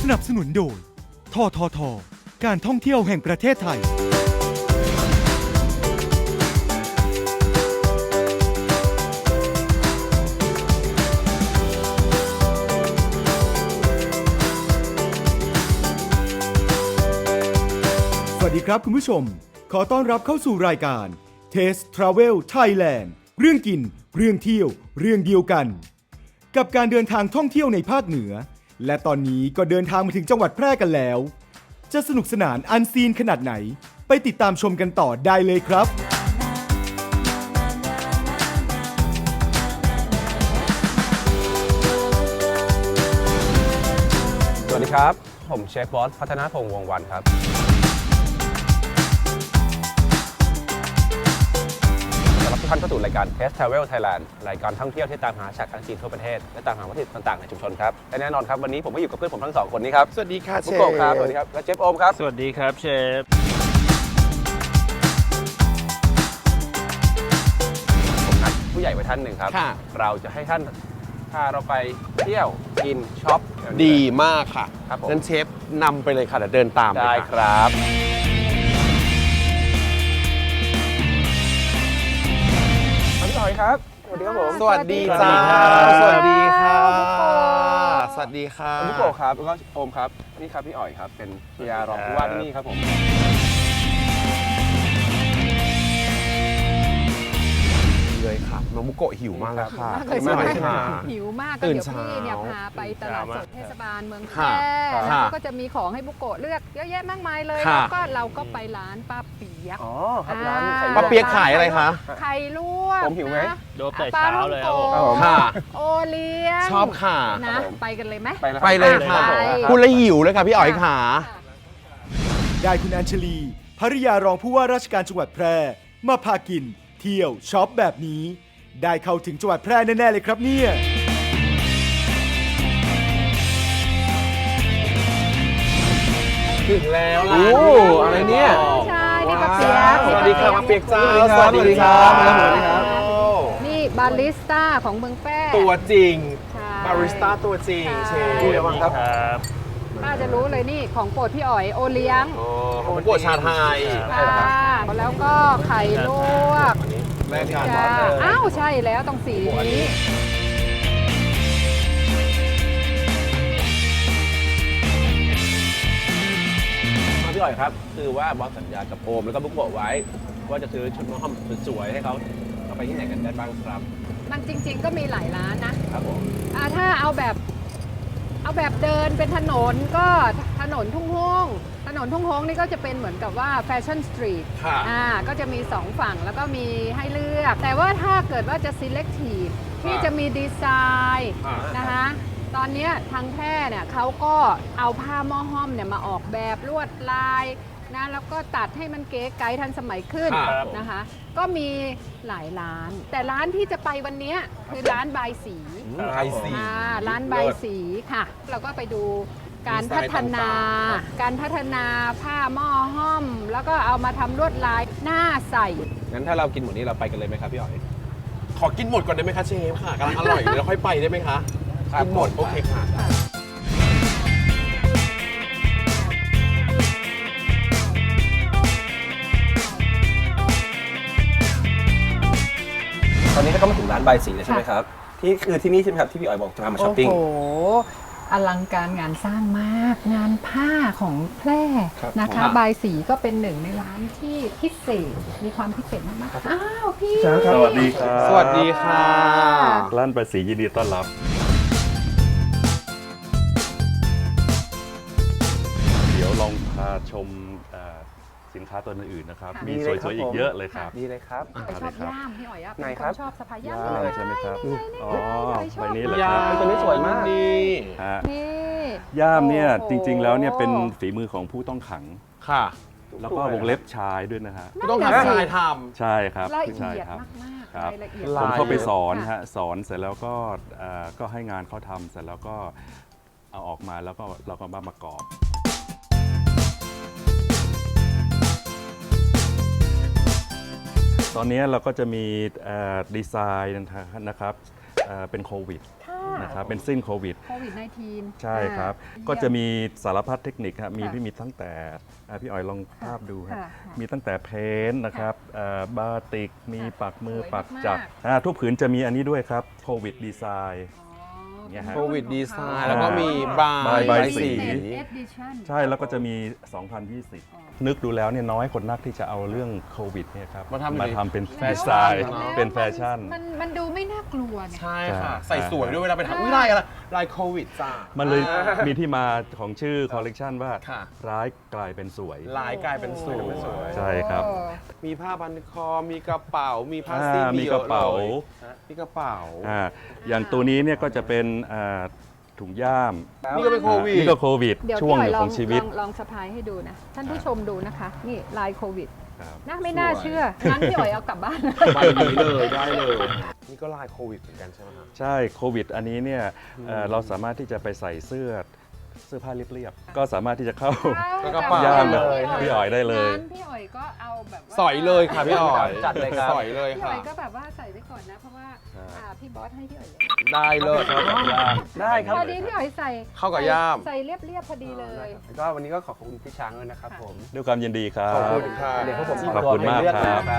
นับสนุนโดยทททการท่องเที่ยวแห่งประเทศไทยสวัสดีครับคุณผู้ชมขอต้อนรับเข้าสู่รายการ Taste Travel Thailand เรื่องกินเรื่องเที่ยวเรื่องเดียวกันกับการเดินทางท่องเที่ยวในภาคเหนือและตอนนี้ก็เดินทางมาถึงจังหวัดแพร่กันแล้วจะสนุกสนานอันซีนขนาดไหนไปติดตามชมกันต่อได้เลยครับสวัสดีครับผมเชฟบอสพัฒนาพงษ์วงศ์วันครับต้อนรับทุกท่านเข้าสู่รายการ Taste Travel Thailand รายการท่องเที่ยวที่ตามหาฉากอันซีนทั่วประเทศและตามหาวัตถุดิบต่างๆในชุมชนครับและแน่นอนครับวันนี้ผมก็อยู่กับเพื่อนผมทั้งสองคนนี้ครับสวัสดีค่ะเชบุฟโกะครับสวัสดีครับและเชฟโอมครับสวัสดีครับเชฟผมนัดผู้ใหญ่ไว้ท่านหนึ่งครับเราจะให้ท่านพาเราไปเที่ยวกินช็อปดีมากค่ะครับผมงั้นเชฟนำไปเลยค่ะเดี๋ยวเดินตามได้เลยคค่ะรับพี่ต่อยครับสวัสดีครับผมสวัสดีจ้าสวัสดีครับสวัสดีค่ะบุโกะครับแล้วก็โอมครับนี่ครับพี่อ๋อยครับเป็นพยารองผู้ว่าที่นี่ครับผมเลยค่ะน้องบุโกะหิวมากแล้วค่ะมากเลยใช่ไหมค่ะหิวมากก็ตื่นเดี๋ยวพี่เนี่ยเช้าพาไปตลาดสดเทศบาลเมืองแพค่ะร่ค่ะแล้วก็จะมีของให้บุโกะเลือกเยอะแยะมากมายเลยค่ะแล้วก็เราก็ไปร้านป้าเปียกอ๋อครับร้านไข่ป้าเปี๊ยกขายอะไรคะไข่ลวกผมหิวไหมนะโดบแต่เช้าเลยครับผมปลาท่องโกค่ะโอเลี้ยงชอบค่ะนะ ไปกันเลยไหมไปแล้วไปเลยค่ะไปพูดแล้วหิวเลยค่ะพี่อ๋อยค่ะได้คุณอัญชลีภริยารองผู้ว่าราชการจังหวัดแพร่มาพากิน เที่ยวช็อปแบบนี้ ได้เข้าถึงจังหวัดแพร่แน่ๆเลยครับเนี่ยถึงแล้วโอ้อะไรเนี่ยใช่นี่ป้าเปียกสวัสดีค่ะมาเปียกจ้าสวัสดีครับสวัสดีครับนี่บาริสต้าของเมืองแพร่ตัวจริงใช่บาริสต้าตัวจริงเชฟพูดเลยว่าครับครับป้าจะรู้เลยนี่ของโปรดพี่อ๋อยโอเลี้ยงของบุโกะชาไทยค่ะแล้วก็ไข่ลวกแม่กันจ้าอ้าวใช่แล้วต้องสีนี้พี่อ๋อยครับคือว่าบอสสัญญากับโอมแล้วก็บุโกะไว้ ว่าจะซื้อชุดน้องหอมสวยๆให้เขาเอาไปที่ไหนกันได้บ้างครับมันจริง ๆ ก็มีหลายร้านนะครับผมถ้าเอาแบบเดินเป็นถนนก็ถนนทุ่งฮงถนนทุ่งฮงนี่ก็จะเป็นเหมือนกับว่าแฟชั่นสตรีทค่ะก็จะมี2ฝั่งแล้วก็มีให้เลือก แต่ว่าถ้าเกิดว่าจะ selective ที่จะมีดีไซน์นะคะตอนเนี้ยทางแพร่เนี่ยเขาก็เอาผ้าหม้อห้อมเนี่ยมาออกแบบลวดลายนะแล้วก็ตัดให้มันเก๋ไก๋ทันสมัยขึ้นครับนะคะ ก็มีหลายร้าน แต่ร้านที่จะไปวันเนี้ยคือร้านบายสีไทยสีร้านบายสีค่ะ เราก็ไปดูการพัฒนา การพัฒนาผ้าหม้อห้อม แล้วก็เอามาทำลวดลายหน้าใสงั้นถ้าเรากินหมดนี้เราไปกันเลยไหมครับพี่อ๋อยขอกินหมดก่อนได้ไหมคะเชฟค่ะกำลังอร่อยเดี๋ยวเราค่อยไปได้ไหมคะครับกินหมดโอเคค่ะตอนนี้ก็มาถึงร้านบายสีแล้วใช่ไหมครับที่คือที่นี่ใช่ไหมครับที่พี่อ๋อยบอกจะพามาช้อปปิ้งโอ้โห อลังการงานสร้างมาก งานผ้าของแพร่ครับนะคะ บายสีก็เป็นหนึ่งในร้านที่พิเศษ มีความพิเศษมากๆอ้าวพี่สวัสดีครับสวัสดีค่ะร้านประสียินดีต้อนรับ เดี๋ยวลองพาชมสินค้าตัวอื่นๆนะครับค่ะมีสวยๆอีกเยอะเลยครับดีเลยครับไปชอบย่ามพี่อ๋อยอะไหนเป็นคครับ นชอบสะพายย่ามย่ามใช่ไหมครับ อ๋อชอบใบนี้เหรอย่าครับตัวนี้สวยมากนี่ฮะนี่ย่ามเนี่ยโอ้โหจริงๆแล้วเนี่ยเป็นฝีมือของผู้ต้องขังค่ะแล้วก็วงเล็บชายด้วยนะฮะต้องนั่นทำน่ะสิชายทใช่ครับละผู้ชายเอียดครับมากๆครับรายละเอียดลผมเข้าไปสอนค่ะฮะสอนเสร็จแล้วก็ให้งานเขาทำเสร็จแล้วก็เอาออกมาแล้วก็เราก็มาประกอบ ตอนนี้เราก็จะมีดีไซน์นะครับเป็นโควิดนะครับเป็นสิ้นโควิดโควิด -19 ใช่ครับ ก็จะมีสารพัดเทคนิคครับมีที่มีตั้งแต่พี่อ๋อยลองภาพดูครับค่ะมีตั้งแต่เพ้นท์นะครับบาติกมีปักมือสวยปักมากจักรทุกผืนจะมีอันนี้ด้วยครับโควิดดีไซน์ เนี่ยฮะโควิดดีไซน์แล้วก็มีบาใบยสี edition ใช่แล้วก็จะมี 2020 นึกดูแล้วเนี่ยน้อยคนนักที่จะเอาเรื่องโควิดเนี่ยครับมาทำมาทำเป็นแฟดีชั่นไซน์เนอะเป็นแฟชั่นมันดูไม่น่ากลัวไงใช่ค่ะใช่ใส่สวยด้วยเวลาไปทำอุ้ยลายอะไรลายโควิดจ้ามัน เลยอ่ามีที่มาของชื่อคอลเลกชันว่าค่ะร้ายกลายเป็นสวยลายกลายเป็นสวยใช่ครับมีผ้าพันคอ มีกระเป๋า มีผ้าซีมีกระเป๋ามีกระเป๋าอย่างตัวนี้เนี่ยก็จะเป็นถุงย่ามนี่ก็เป็นโควิดนี่ก็โควิดเดี๋ยวช่วงพี่หอ๋นึ่องของชีวิตลองสะพายให้ดูนะ ท่านผู้ชมดูนะคะ นี่ลายโควิดครับน่าไม่น่าเชื่อ งั้นพี่อ๋อยเอากลับบ้านใบนี้เลยได้เลย นี่ก็ลายโควิดเหมือนกันใช่ไหมครับใช่โควิดอันนี้เนี่ยเราสามารถที่จะไปใส่เสื้อผ้าเรียบๆก็สามารถที่จะเข้าแล้วก็เป๋าย่ามเลยพี่อ๋อยได้เลยงั้นพี่อ๋อยก็เอาแบบว่าสอยเลยค่ะพี่อ๋อยจัดเลยครับสอยเลยพี่อ๋ค่ะอยก็แบบว่าใส่ไว้ก่อนนะ เพราะว่าใช่พี่บอสให้พี่อ๋อยได้เลยครับได้ครับพอดีพี่อ๋อยใส่เข้ากับย่ามใส่เรียบๆพอดีเลยแล้วก็วันนี้ก็ขอบคุณพี่ช้างด้วยนะครับผมด้วยความยินดีครับขอบคุณค่ะเดี๋ยวพวกผมขอบคุณมากครับครับ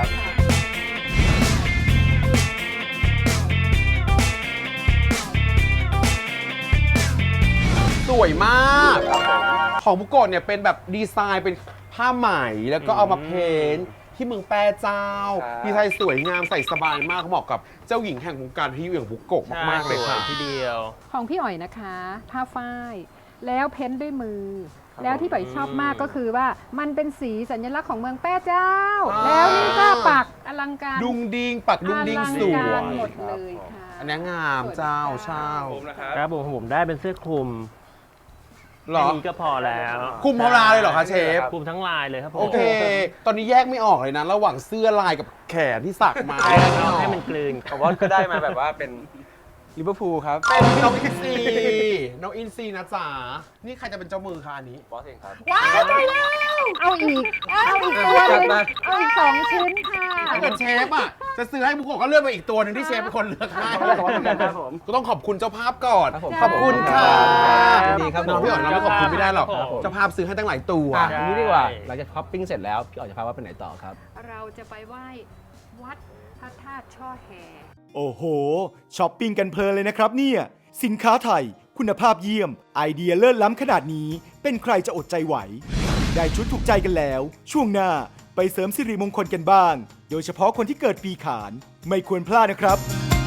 สวยมาก ของบุโกะเนี่ยเป็นแบบดีไซน์เป็นผ้าไหมแล้วก็เอามาเพ้นท์ที่เมืองแปรเจ้าครับดีไซน์สวยงามใส่สบายมากเหมาะกับเจ้าหญิงแห่งวงการที่อย่างบุโกะมากๆเลยค่ะทีเดียวของพี่อ๋อยนะคะ ผ้าฝ้าย แล้วเพ้นท์ด้วยมือ แล้วที่ป๋อยชอบมากก็คือว่ามันเป็นสีสัญลักษณ์ของเมืองแป้เจ้า แล้วนี่ก็ปักอลังการดุงดิงปักดุงดิงสอวลังการยหมดเลยค่ะอันนี้งามเจ้าเช่าครับผมได้เป็นเสื้อคลุมหรอแค่นี้ก็พอแล้วคลุมทั้งลายเลยเหรอคะเชฟคลุมทั้งลายเลยครับผมโอเค ตอนนี้แยกไม่ออกเลยนะ ระหว่างเสื้อลายกับแขนที่สักมาเอาให้มันกลืนผมว่าก็ได้มาแบบว่าเป็นลิเวอร์พูลครับเป็นน้องอินซีน้องอินซีนะจ๊ะนี่ใครจะเป็นเจ้ามือคะอันนี้บอสเองครับว้าวไปแล้ว เอาอีกตัวหนึงเอาอีก2 ชิ้นค่ะถ้าเกิดเชฟอ่ะจะซื้อให้บุโกะก็เลือกไปอีกตัวหนึ่งที่เชฟเป็นคนเลือกให้ครับผมก็ต้องขอบคุณเจ้าภาพก่อนครับผมขอบคุณค่ะยินดีครับน้องพี่อ๋อยเราไม่ขอบคุณไม่ได้หรอกครับผมเจ้าภาพซื้อให้ตั้งหลายตัวอ่ะอันนี้ดีกว่าหลังจากช้อปปิ้งเสร็จแล้วพี่อ๋อยจะพาว่าไปไหนต่อครับเราจะไปไหว้วัดพระธาตุช่อแฮโอ้โหช้อปปิ้งกันเพลินเลยนะครับเนี่ย สินค้าไทย คุณภาพเยี่ยม ไอเดียเลิศล้ำขนาดนี้เป็นใครจะอดใจไหว ได้ชุดถูกใจกันแล้ว ช่วงหน้าไปเสริมสิริมงคลกันบ้าง โดยเฉพาะคนที่เกิดปีขาน ไม่ควรพลาดนะครับ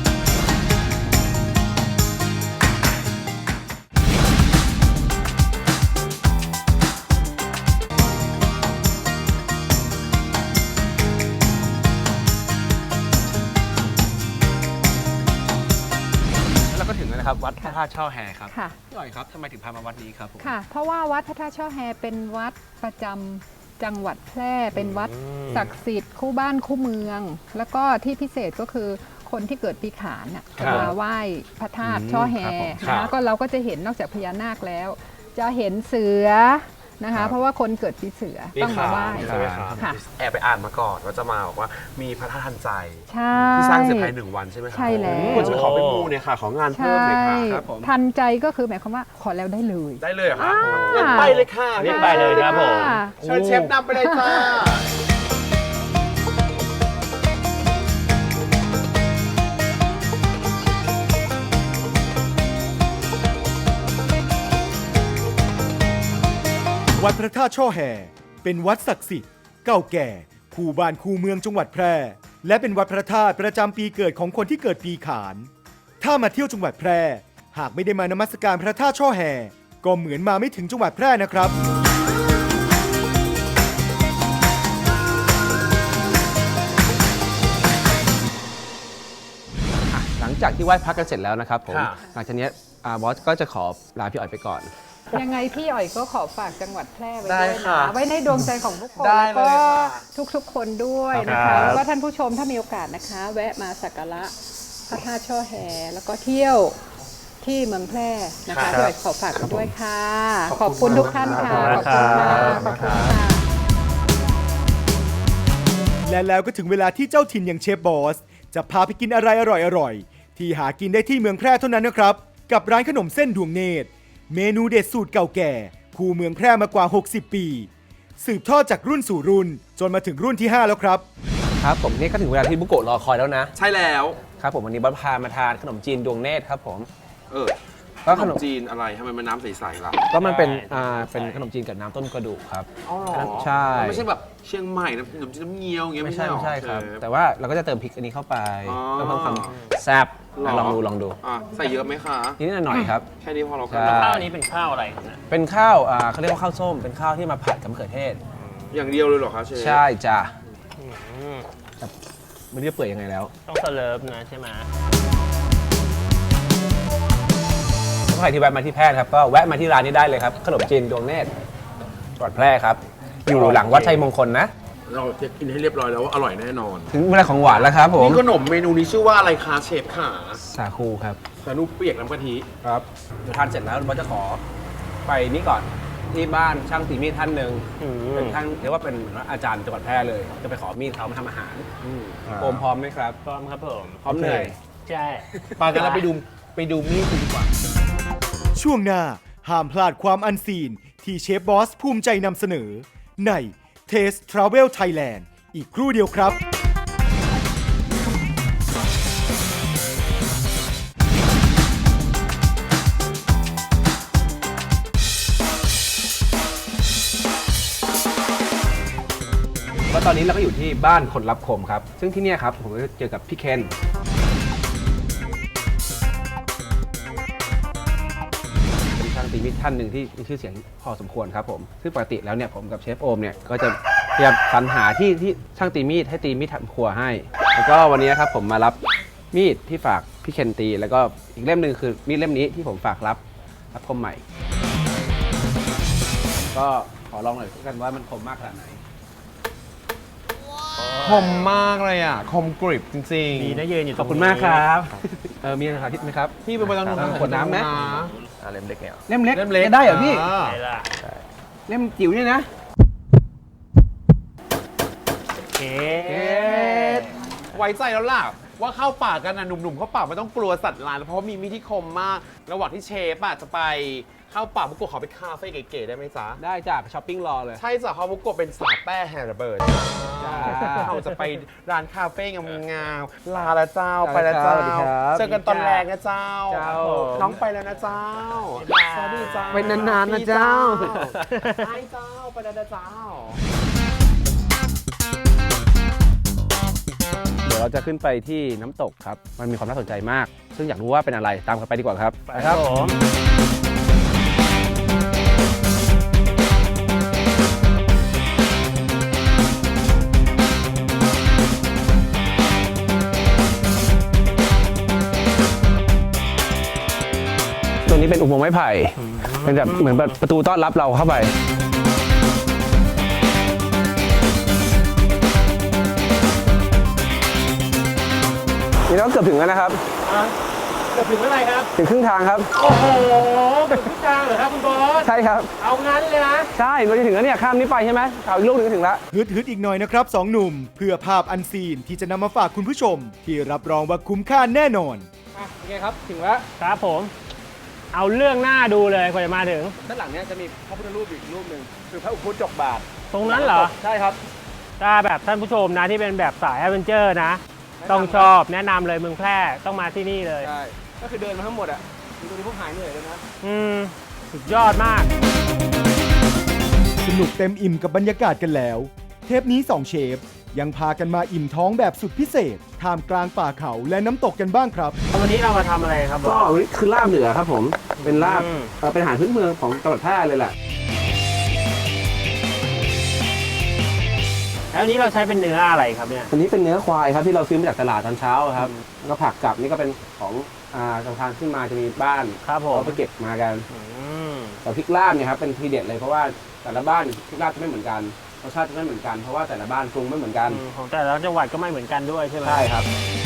แล้วก็ถึงแล้วนะครับ วัดพระธาตุช่อแฮครับค่ะพี่อ๋อยครับทำไมถึงพามาวัดนี้ครับผมค่ะ เพราะว่าวัดพระธาตุช่อแฮเป็นวัดประจำจังหวัดแพร่ เป็นวัดศักดิ์สิทธิ์คู่บ้านคู่เมือง แล้วก็ที่พิเศษก็คือคนที่เกิดปีขานน่ะครัจะบมาไหว้พระธาตุช่อแฮครับนะก็เราก็จะเห็นนอกจากพญานาคแล้ว จะเห็นเสือนะคะ เพราะว่าคนเกิดปีเสือต้องมาไหว้ใช่ไหมครับค่ะแอบไปอ่านมาก่อนว่าจะมาบอกว่ามีพระธาตุทันใจใช่ที่สร้างเสร็จภายใน1 วันใช่ไหมครัใช่แล้วควรจะไปขอเป็นมูเนี่ยค่ะ ของานเพิ่มใช่เลยค่ะครับผมทันใจก็คือหมายความว่าขอแล้วได้เลยได้เลยเหรอคะอ่างั้นไปเลยค่ะรีบไปเลยครับผมค่ะเชิญเชฟนำไปเลยจ้าวัดพระธาตุช่อแห่เป็นวัดศักดิ์สิทธิ์เก่าแก่คู่บ้านคู่เมืองจังหวัดแพร่ และเป็นวัดพระธาตุประจำปีเกิดของคนที่เกิดปีขาน ถ้ามาเที่ยวจังหวัดแพร่ หากไม่ได้มานมัสการพระธาตุช่อแห่ก็เหมือนมาไม่ถึงจังหวัดแพร่นะครับหลังจากที่ไหว้พระกันเสร็จแล้วนะครับผมค่ะหลังจากเนี้ยบอสก็จะขอลาพี่อ๋อยไปก่อนยังไงพี่อ๋อยก็ขอฝากจังหวัดแพร่ไว้ได้ด้วยค่ะนะไว้ในดวงใจของทุกคนได้แล้วเลยก็ค่ะทุกๆคนด้วยนะครัคะบแล้วก็ท่านผู้ชมถ้ามีโอกาสนะคะ แวะมาสักการะพระธาตุช่อแฮแล้วก็เที่ยวที่เมืองแพร่นะคะพี่อ๋อยขอฝากไว้ด้วยค่ะ ขอบคุณทุกท่านค่ะ ขอบคุณค่ะขอบคุณค่ะและแล้วก็ถึงเวลาที่เจ้าถิ่นอย่างเชฟบอส จะพาไปกินอะไรอร่อยๆ ที่หากินได้ที่เมืองแพร่เท่านั้นนะครับกับร้านขนมเส้นดวงเนตรเมนูเด็ดสูตรเก่าแก่คู่เมืองแพร่มากว่า 60 ปี สืบทอดจากรุ่นสู่รุ่นจนมาถึงรุ่นที่ 5 แล้วครับครับผมนี่ก็ถึงเวลาที่บุโกะรอคอยแล้วนะใช่แล้วครับผมวันนี้บอสพามาทานขนมจีนดวงเนตรครับผมก็ก็ขขนนมมจีนอะไรทำไมมันน้ำใสๆล่ะก็มันเป็นใช่เป็นขนมจีนกับน้ำต้มกระดูกครับอ๋อเหรอใช่มันไม่ใช่แบบเชียงใหม่น้ำขนมจีนน้ำเงี้ยวอย่างเงี้ยไม่ไม่ใช่ใช่หรอไม่ใช่ครับเชฟแต่ว่าเราก็จะเติมพริกอันนี้เข้าไปอ๋อเพื่อเพิ่มความแซ่บหรอลองดูใส่เยอะไหมคะนิดหน่อยครับแค่นี้พอเราก็ใช่ข้าวนี้เป็นข้าวอะไรครับเนี่ยเป็นข้าวเขาเรียกว่าข้าวส้มเป็นข้าวที่มาผัดกับมะเขือเทศอย่างเดียวเลยเหรอคะเชฟใช่จ้ะอืมไม่รู้จะเปื่อยยังไงแล้วต้องเสลิฟนะใช่ไหมถ้าใครที่แวะมาที่แพร่ครับก็แวะมาที่ร้านนี้ได้เลยครับขนมจีนดวงเนตรจังหวัดแพร่ครับอยู่หลังวัดชัยมงคลนะเราจะกินให้เรียบร้อยแล้วว่าอร่อยแน่นอนถึงเวลาของหวานแล้วครับผมนี่ขนมเมนูนี้ชื่อว่าอะไรคะเชฟขาสาคูครับสานุเปียกน้ำกะทิครับเดี๋ยวทานเสร็จแล้วเราจะขอไปนี่ก่อนที่บ้านช่างตีมีดท่านหนึ่งอืมเป็นท่านเรียกว่าเป็นอาจารย์จังหวัดแพร่เลย จะไปขอมีดเขามาทำอาหารโอมพร้อมไหมครับพร้อมครับผมพร้อมเหนื่อยใช่ปากันแล้วไปดูมีดกันดีกว่าช่วงหน้าห้ามพลาดความอันซีนที่เชฟบอสภูมิใจนำเสนอใน Taste Travel Thailand อีกครู่เดียวครับแล้วตอนนี้เราก็อยู่ที่บ้านคนรับคมครับ ซึ่งที่เนี่ยครับผมก็เจอกับพี่เคนเป็นช่างตีมีดท่านหนึ่งที่มีชื่อเสียงพอสมควรครับผมซึ่งปกติแล้วเนี่ยผมกับเชฟโอมเนี่ยก็จะพยายามสรรหาที่ช่างตีมีดให้ตีมีดทำครัวให้ แล้วก็วันนี้ครับผมมารับมีดที่ฝากพี่เคนตี แล้วก็อีกเล่มหนึ่งคือมีดเล่มนี้ที่ผมฝากรับคมใหม่ ก็ขอลองหน่อยกันว่ามันคมมากขนาดไหนคมมากเลยอ่ะ คมกริบจริงๆดีนะยืนอยู่ตขรอบงคุณนี้มากครับ มีอะไรสาธิตไหมครับพี่ไปตรงนู้นขวดน้ำไหมเล่มเล็กเนี่ยเล่มเล็กเล่มเล็กจะได้เหรอพี่ใช่ละเล่มจิ๋วเนี่ยนะโอเคไว้ใจแล้วล่ะ ว่าเข้าป่ากันนะหนุ่มๆเข้าป่าไม่ต้องกลัวสัตว์ร้ายเพราะว่ามีมีดที่คมมาก ระหว่างที่เชฟอ่ะจะไปเข้าป่าบุกโกะขอไปคาเฟ่เก๋ๆได้ไหมจ๊ะได้จ้ะไปช้อปปิ้งรอเลยใช่จ้ะเพราะบุกโกะเป็นสาวแป้แฮร์เบิร์ดจ้าเราจะไปร้านคาเฟ่งามๆลาละเจ้าลาละไปละเจ้าสวัสดีครับเจอกันตอนแรกนะเจ้าเจ้าน้องไปแล้วนะเจ้าสวัสดีเจ้าไปนานๆนะเจ้าใช่เจ้าไปแล้วนะเจ้าเดี๋ยวเราจะขึ้นไปที่น้ำตกครับ มันมีความน่าสนใจมาก ซึ่งอยากรู้ว่าเป็นอะไร ตามกันไปดีกว่าครับไปครับผมตรงนี้เป็นอุโมงค์ไม้ไผ่ เป็นแบบเหมือนแบบประตูต้อนรับเราเข้าไป นี่เราเกือบถึงแล้วนะครับเกือบถึงเมื่อไหร่ครับถึงครึ่งทางครับโอ้โหเกือบทุกทางเหรอครับคุณบอสใช่ครับเอางั้นเลยนะใช่เราจะถึงแล้วเนี่ย ข้ามนี้ไปใช่ไหมเอาอีกลูกหนึงก็ถึงแล้วฮึดอีกหน่อยนะครับสองหนุ่ม เพื่อภาพอันซีนที่จะนำมาฝากคุณผู้ชม ที่รับรองว่าคุ้มค่าแน่นอนโอเคครับ ถึงแล้วครับผม เอาเรื่องหน้าดูเลยกว่าจะมาถึงด้านหลังเนี้ยจะมีพระพุทธรูปอีกรูปหนึ่งคือพระอุพุจกบาทตรงนั้นเหรอใช่ครับถ้าแบบท่านผู้ชมนะที่เป็นแบบสายแอดเวนเจอร์นะ ต้องชอบแนะนำเลยเมืองแพร่ต้องมาที่นี่เลยใช่ ก็คือเดินมาทั้งหมดอ่ะดูตรงนี้พวกหายเหนื่อยเลยนะสุดยอดมากสนุกเต็มอิ่มกับบรรยากาศกันแล้ว เทปนี้2เชฟยังพากันมาอิ่มท้องแบบสุดพิเศษท่ามกลางป่าเขาและน้ำตกกันบ้างครับวันนี้เรามาทำอะไรครับบก็อสคือลาบเหนือครับผม เป็นลาบอืมเป็นอาหารพื้นเมืองของจังหวัดแพร่เลยแหละแล้วอันนี้เราใช้เป็นเนื้ออะไรครับเนี่ยอันนี้เป็นเนื้อควายครับที่เราซื้อมาจากตลาดตอนเช้าครับแล้วก็ผักกับนี่ก็เป็นของทางขึ้นมาจะมีบ้านครับผมเขาไปเก็บมากันอืมแต่พริกลาบเนี่ยครับเป็นทีเด็ดเลยเพราะว่าแต่ละบ้านพริกลาบจะไม่เหมือนกันรสชาติจะไม่เหมือนกันเพราะว่าแต่ละบ้านปรุงไม่เหมือนกันของแต่ละจังหวัดก็ไม่เหมือนกันด้วยใช่ไหมใช่ครับ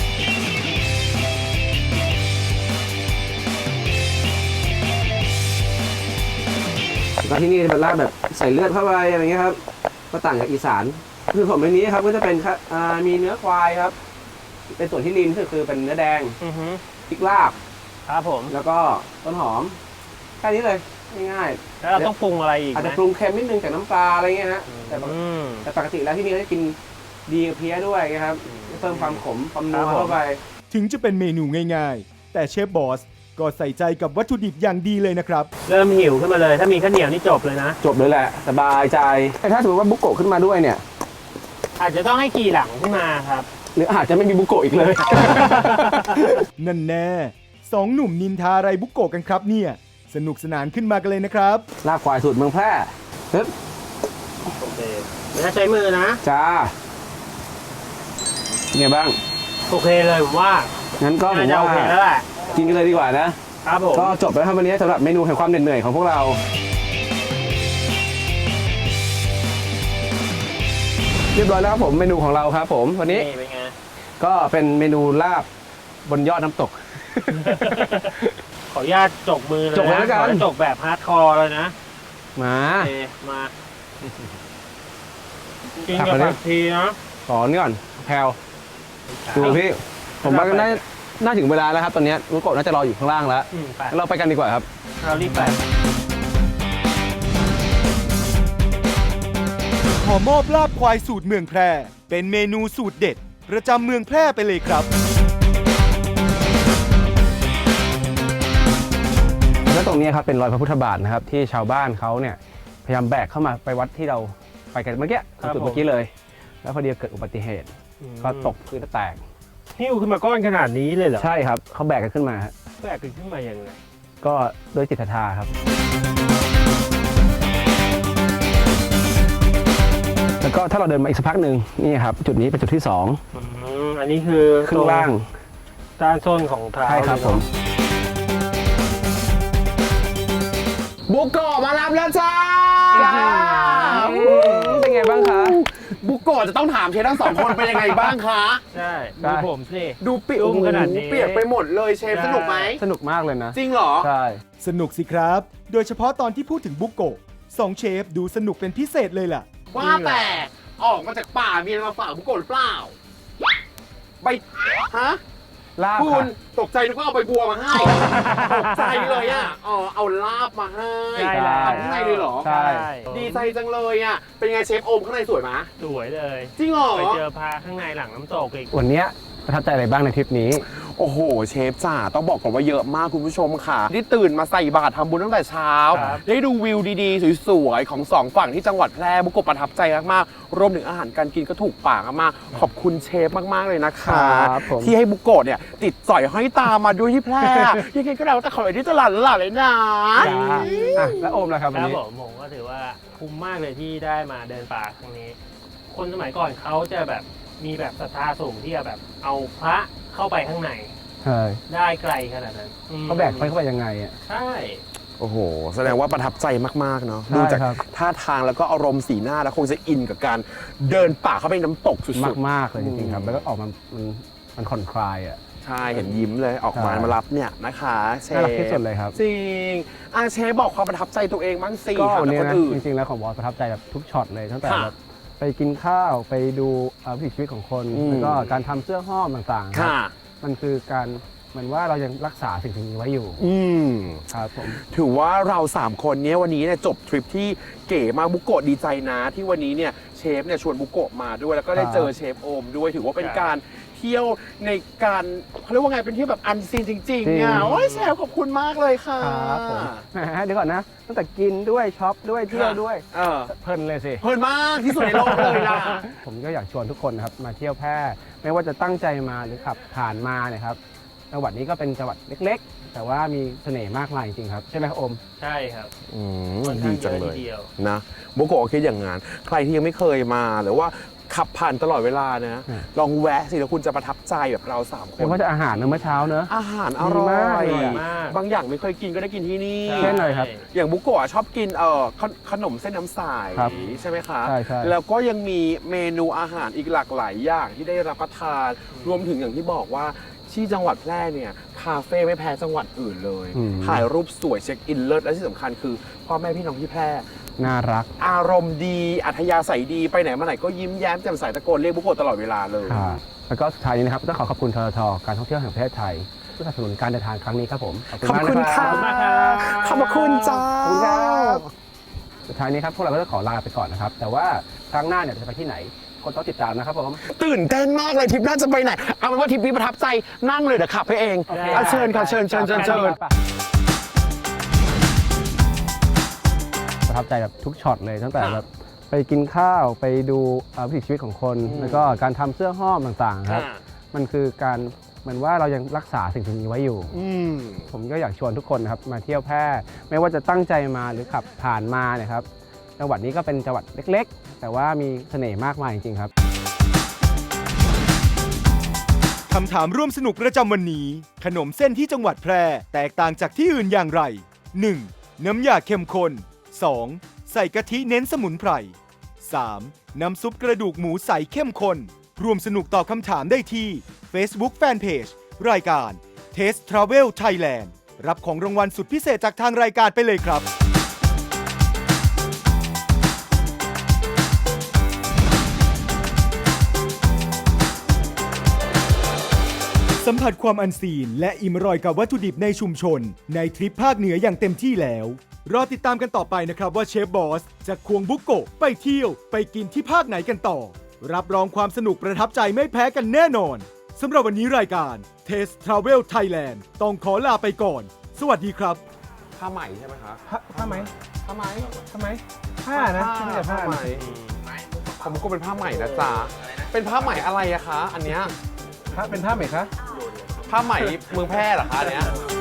แล้วที่นี่เป็นลาบแบบใส่เลือดเข้าไปอะไรเงี้ยครับก็ต่างจากอีสานคือผมในนี้ครับก็จะเป็นมีเนื้อควายครับเป็นส่วนที่ริมก็คือเป็นเนื้อแดงอือฮึพริกลาบครับผมแล้วก็ต้นหอมแค่นี้เลยง่ายแล้วเราต้องปรุงอะไรอีๆกอาจไหมจะปรุงเค็มนิดนึงจากน้ำปลาอะไรเงี้ยฮะแต่ปกติแล้วที่นี่เขาจะกินดีกับเพี้ยด้วยนะครับเพิ่มความขมความนัวเข้าไปถึงจะเป็นเมนูง่ายๆ แต่เชฟบอสก็ใส่ใจกับวัตถุดิบอย่างดีเลยนะครับเริ่มหิวขึ้นมาเลย ถ้ามีข้าวเหนียวนี่จบเลยนะจบเลยแหละสบายใจแต่ถ้าสมมติว่าบุโกะขึ้นมาด้วยเนี่ยอาจจะต้องให้ขี่หลังขึ้นมาครับหรืออาจจะไม่มีบุโกะอีกเลยนั่นแน่สองหนุ่มนินทาอะไรบุกโกะกันครับเนี่ยสนุกสนานขึ้นมากันเลยนะครับลาบควายสูตรเมืองแพร่ปึ๊บโอเคไม่ต้องใช้มือนะจ้าเป็นไงบ้างโอเคเลยผมว่างั้นก็ผมน่าจะโอว่าเคแล้วแหละกินกันเลยดีกว่านะครับผมก็จบแล้วครับวันนี้สำหรับเมนูแห่งความเหนื่อยของพวกเราเรียบร้อยแล้วครับผมเมนูของเราครับผมวันนี้นี่เป็นไงก็เป็นเมนูลาบบนยอดน้ำตกขออนุญาตจกมือเลยจกเลยนะแล้วกันขอจกแบบฮาร์ดคอร์เลยนะมาโอเคมากินครับกับวันนี้ผักชีนะขอนี่ก่อนแพลวดูพี่ ผมว่าน่าถึงเวลาแล้วครับตอนนี้บุโกะน่าจะรออยู่ข้างล่างแล้วไปงั้นเราไปกันดีกว่าครับเรารีบไปขอมอบลาบควายสูตรเมืองแพร่ เป็นเมนูสูตรเด็ด ประจำเมืองแพร่ไปเลยครับแล้วตรงนี้ครับเป็นรอยพระพุทธบาทนะครับที่ชาวบ้านเขาเนี่ยพยายามแบกเข้ามาไปวัดที่เราไปกันเมื่อกี้จุดเมื่อกี้เลย แล้วพอดีเกิดอุบัติเหตุก็ตกพื้นแล้วแตกหิ้วขึ้นมาก้อนขนาดนี้เลยเหรอใช่ครับเขาแบกกันขึ้นมาฮะแบกขึ้นมายังไงก็โดยจิตศรัทธาครับ แล้วก็ถ้าเราเดินมาอีกสักพักหนึ่งนี่ครับจุดนี้เป็นจุดที่2 อันนี้คือครึ่งล่างด้านส้นของเท้าใช่ครับผมบุโกะมารับแล้วจ้าเป็นไงบ้างคะบุโกะจะต้องถามเชฟทั้งสองคนเป็นยังไงบ้างคะใช่ได้ดูผมสิดูเปียกอุ้มขนาดนี้เปียกไปหมดเลยเชฟใช่สนุกไหมสนุกมากเลยนะจริงเหรอใช่สนุกสิครับ โดยเฉพาะตอนที่พูดถึงบุกโกะสองเชฟดูสนุกเป็นพิเศษเลยล่ะว่าแต่ออกมาจากป่ามีอะไรมาฝากบุโกะหรือเปล่าใบฮะลาบคุค่ะณตกใจนึกว่าเอาใบบัวมาให้ ตกใจเลยอ่ะเอาลาบมาให้ใช่แล้วทำข้างในเลยเหรอใช่ดีใจจังเลยอ่ะ เป็นไงเชฟโอมข้างในสวยไหมสวยเลยจริงเหรอไปเจอพาข้างในหลังน้ำตกอีกวันเนี้ยประทับใจอะไรบ้างในทริปนี้โอ้โห เชฟจ๋าต้องบอกก่อนว่าเยอะมากคุณผู้ชมค่ะ ที่ตื่นมาใส่บาตรทำบุญตั้งแต่เช้าครับได้ดูวิวดีๆ สวยๆ ของสองฝั่งที่จังหวัดแพร่บุกโกะประทับใจมากๆ รวมถึงอาหารการกินก็ถูกปากมากๆขอบคุณเชฟมากๆเลยนะคะครับผมที่ให้บุกโกะเนี่ย ติดสอยห้อยตามมาด้วยที่แพร่ ยังไงก็แล้วแต่ขอให้ที่ตลาดเลยนะอ่ะแล้วโอมล่ะครับควันรับนี้ผมก็ถือว่าคุ้มมากเลยที่ได้มาเดินป่าครั้งนี้ คนสมัยก่อนเขาจะแบบมีแบบศรัทธาสูงที่จะแบบเอาพระเข้าไปข้างในใช่ได้ไกลขนาดนั้นเขาแบกเข้าไปยังไงอ่ะใช่โอ้โห แสดงว่าประทับใจมากๆเนาะใช่ดูจากครับท่าทางแล้วก็อารมณ์สีหน้าแล้วคงจะอินกับการเดินป่าเข้าไปน้ำตกสุดๆมากๆเลยจริงๆครับ แล้วก็ออกมามันผ่อนคลายอ่ะใช่เห็นยิ้มเลยออกมาใช่มารับเนี่ยนะคะเชฟน่ารักที่สุดเลยครับจริงเชฟบอกความประทับใจตัวเองบ้างสิก็ค่ะวันกับนี้คนนะอื่นจริงๆแล้วของบอสประทับใจแบบทุกช็อตเลยตั้งแต่ค่ะแบบไปกินข้าวไปดูวิถีชีวิตของคนอืมแล้วก็การทำเสื้อห้อมต่างๆครับค่ะมันคือการเหมือนว่าเรายังรักษาสิ่งนี้ไว้อยู่อืมครับผมถือว่าเรา 3 คนเนี้ยวันนี้เนี่ยจบทริปที่เก๋มากบุโกะดีใจนะที่วันนี้เนี่ยเชฟเนี่ยชวนบุโกะมาด้วยแล้วก็ได้เจอเชฟโอมด้วยถือว่าเป็นการเที่ยวในการเขาเรียกว่าไงเป็นที่แบบอันซีนจริงๆอ่ะโอ้ยเชฟขอบคุณมากเลยค่ะครับผมแหมเดี๋ยวก่อนนะ ตั้งแต่กินด้วยช็อปด้วยเที่ยวด้วยเออเพลินเลยสิเพลินมากที่สุดในโลกเลยล่ะผมก็อยากชวนทุกคนนะครับมาเที่ยวแพร่ไม่ว่าจะตั้งใจมาหรือขับผ่านมาเนี่ยครับจังหวัดนี้ก็เป็นจังหวัดเล็กๆ แต่ว่ามีเสน่ห์มากมายจริงๆครับใช่ไหมครับโอมใช่ครับมัค่อนดีข้างเยจังอะเลทียเดียวนะโบโกะคิดอย่างงั้นใครที่ยังไม่เคยมาหรือว่าขับผ่านตลอดเวลานะอืมลองแวะสิแล้วคุณจะประทับใจแบบเรา3 คไม่นว่าจะอาหารเมื่อเช้าเนอะอาหารอร่อดีมากยเลยอะมากบางอย่างไม่เคยกินก็ได้กินที่นี่เช่นอะไรครับอย่างบุโกะชอบกินขนมเส้นน้ำใสครับใช่ไหมคะใช่ใช่แล้วก็ยังมีเมนูอาหารอีกหลากหลายอย่างที่ได้รับประทาน รวมถึงอย่างที่บอกว่าที่จังหวัดแพร่เนี่ยคาเฟ่ไม่แพ้จังหวัดอื่นเลย ถ่ายรูปสวยเช็คอินเลิศและที่สำคัญคือพ่อแม่พี่น้องที่แพร่น่ารักอารมณ์ดีอัธยาศัยดีไปไหนมาไหนก็ยิ้มแย้มแจ่มใสตะโกนเรียกบุโกะตลอดเวลาเลยแล้วก็สุดท้ายนี้นะครับต้องขอขอบคุณทททการท่องเที่ยวแห่งประเทศไทยสนับสนุนการเดินทางครั้งนี้ครับผมขอบคุณค่ะขอบคุณมากครับขอบคุณจ้าขอบคุณครับสุดท้ายนี้ครับพวกเราก็จะขอลาไปก่อนนะครับ แต่ว่าครั้งหน้าเนี่ยจะไปที่ไหนคนต้องติดตามนะครับผมตื่นเต้นมากเลยทริปน่าจะไปไหน เอาเป็นว่าทริปนี้ประทับใจนั่งเลยเดี๋ยวขับไปเองอ่ะเชิญค่ะเชิญประทับใจแบบทุกช็อตเลยตั้งแต่แบบไปกินข้าวไปดูวิถีชีวิตของคน แล้วก็การทำเสื้อห้อมต่างๆครับ มันคือการเหมือนว่าเรายังรักษาสิ่งนี้ไว้อยู่ ผมก็อยากชวนทุกคนนะครับมาเที่ยวแพร่ไม่ว่าจะตั้งใจมาหรือขับผ่านมาเนี่ยครับจังหวัดนี้ก็เป็นจังหวัดเล็กๆ แต่ว่ามีเสน่ห์มากมายจริงๆครับคำถามร่วมสนุกประจำวันนี้ ขนมเส้นที่จังหวัดแพร่แตกต่างจากที่อื่นอย่างไร 1. น้ำยาเข้มข้น 2. ใส่กะทิเน้นสมุนไพร 3. น้ำซุปกระดูกหมูใสเข้มข้นร่วมสนุกตอบคำถามได้ที่ Facebook Fanpage รายการ Taste Travel Thailand รับของรางวัลสุดพิเศษจากทางรายการไปเลยครับ สัมผัสความอันซีนและอิ่มอร่อยกับวัตถุดิบในชุมชน ในทริปภาคเหนืออย่างเต็มที่แล้ว รอติดตามกันต่อไปนะครับว่าเชฟบอสจะควงบุกโกะไปเที่ยวไปกินที่ภาคไหนกันต่อ รับรองความสนุกประทับใจไม่แพ้กันแน่นอนสำหรับวันนี้รายการ Taste Travel Thailand ต้องขอลาไปก่อน สวัสดีครับผ้าไหมใช่ไหมคะผ้าไหมผ้าไหมทำไมผ้านะไม่ใช่ผ้าไหมผมก็เป็นผ้าไหมนะจ๊ะเป็นผ้าไหมอะไรอะคะ อันเนี้ยผ้าเป็นผ้าไหมคะผ้าไหมเมืองแพร่เหรอคะอันเนี้ย